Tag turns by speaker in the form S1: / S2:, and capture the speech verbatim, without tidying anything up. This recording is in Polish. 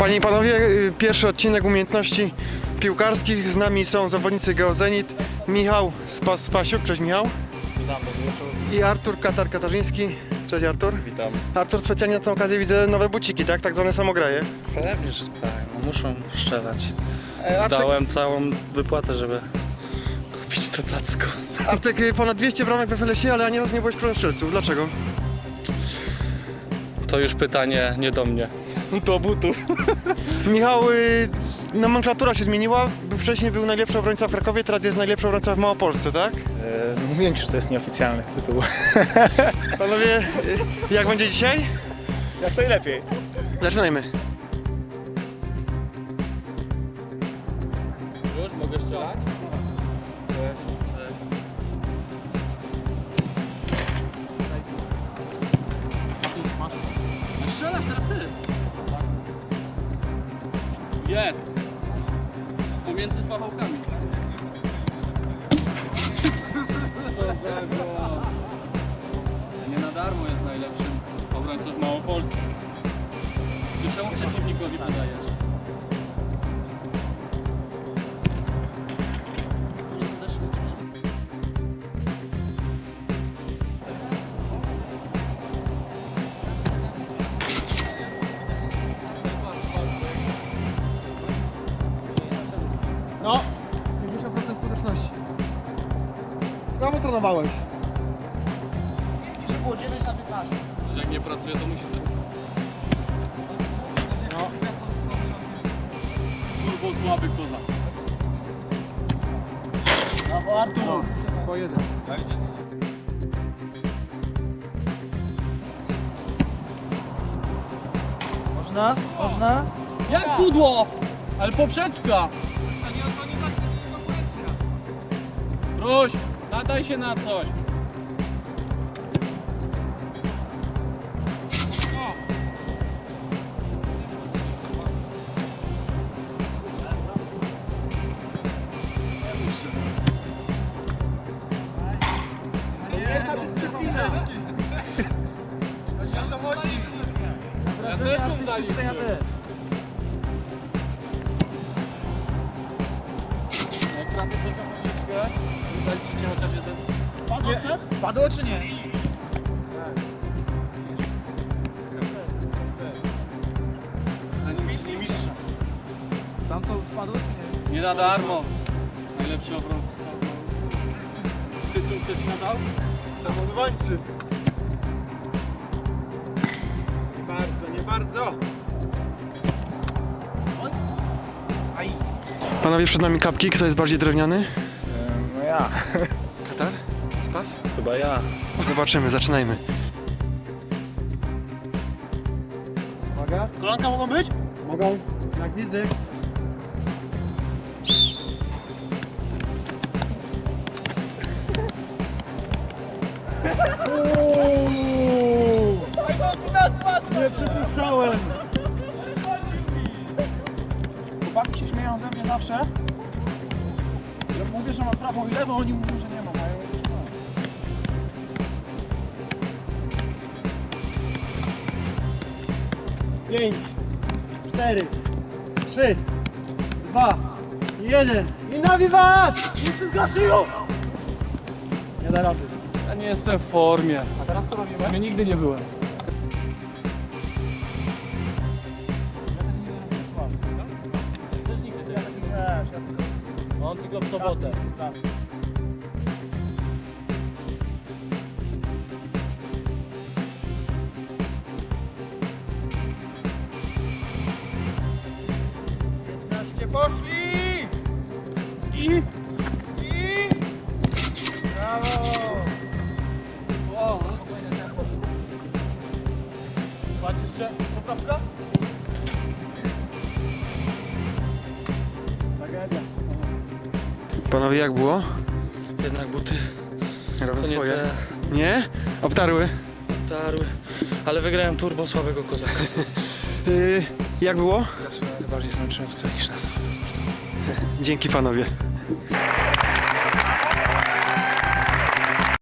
S1: Panie i panowie, pierwszy odcinek umiejętności piłkarskich. Z nami są zawodnicy Geozenit, Michał Spas Spasiuk, cześć Michał.
S2: Witam, dobry wieczór.
S1: I Artur Katar Katarzyński, cześć Artur.
S2: Witam.
S1: Artur, specjalnie na tę okazję widzę nowe buciki, tak? Tak zwane samograje.
S2: Pewnie, że tak, no muszą strzelać.
S1: E, Artek,
S2: Dałem całą wypłatę, żeby kupić to cacko.
S1: Artek, ponad dwieście bramek w F L S ie, ale ani razu nie byłeś królem strzelców. Dlaczego?
S2: To już pytanie nie do mnie. Do butów.
S1: Michał, y, nomenklatura się zmieniła. Wcześniej był najlepszy obrońca w Krakowie, teraz jest najlepszy obrońca w Małopolsce, tak?
S3: E, mówiłem ci, że to jest nieoficjalny tytuł.
S1: Panowie, y, jak będzie dzisiaj?
S3: Jak najlepiej.
S1: Zaczynajmy.
S2: Już mogę strzelać? Cześć, cześć. Strzelasz teraz ty. Jest. Pomiędzy pachołkami. Co za go. Nie na darmo jest najlepszym obrońcą z Małopolski. Ty czemu przeciwnikowi podajesz?
S1: No, pięćdziesiąt procent skuteczności. Sprawo trenowałeś.
S2: Że jak nie pracuje, to musi to...
S1: No.
S2: Turbo słaby kozak.
S1: Brawo Artur. Po jeden.
S3: Można? Można?
S2: Jak pudło? Ale poprzeczka! Ruś, nadaj się na coś.
S1: Jedna dyscyplina. Ja to chodzi.
S2: Ja też mam zaliczyć. Jak trafię trzecią poprzeczkę, zaliczycie chociaż jeden. Padło się?
S3: Padło czy nie?
S2: Czyli mistrza.
S3: Tam to padło czy nie?
S2: Nie na darmo. Najlepszy obrońca. Tytuł kto ci nadał?
S1: Samozwańczy. Nie bardzo, nie bardzo. Panowie, przed nami kapki. Kto jest bardziej drewniany?
S3: E, no ja.
S1: Katar? Spas?
S2: Chyba ja.
S1: Zobaczymy, zaczynajmy. Uwaga.
S3: Kolanka mogą być?
S1: Mogą. Na gwizdek. Nie przypuszczałem.
S3: Chłopaki się śmieją ze mnie zawsze. Jak mówię, że mam prawą i lewą, oni mówią, że nie mam. A ja mówię, że mam.
S1: Pięć, cztery, trzy, dwa, jeden i na wiwat! Jestem Gasiu! Nie da rady.
S2: Ja nie jestem w formie.
S3: A teraz co robimy?
S2: Ja nigdy nie byłem.
S3: Też nigdy, to ja taki wiesz, ja tylko
S2: On tylko w sobotę.
S3: sprawy.
S1: piętnaście poszli!
S2: I...
S1: I... Brawo!
S2: Wow. Patrz jeszcze, poprawka?
S3: Tragedia.
S1: Panowie, jak było?
S2: Jednak buty
S1: Robią
S2: to nie
S1: swoje.
S2: te
S1: Nie? Obtarły.
S2: tarły. Ale wygrałem turbo słabego kozaka.
S1: Yy, jak było?
S2: Ja się bardziej zmęczyłem tutaj niż na zawodach sportowych.
S1: Dzięki panowie.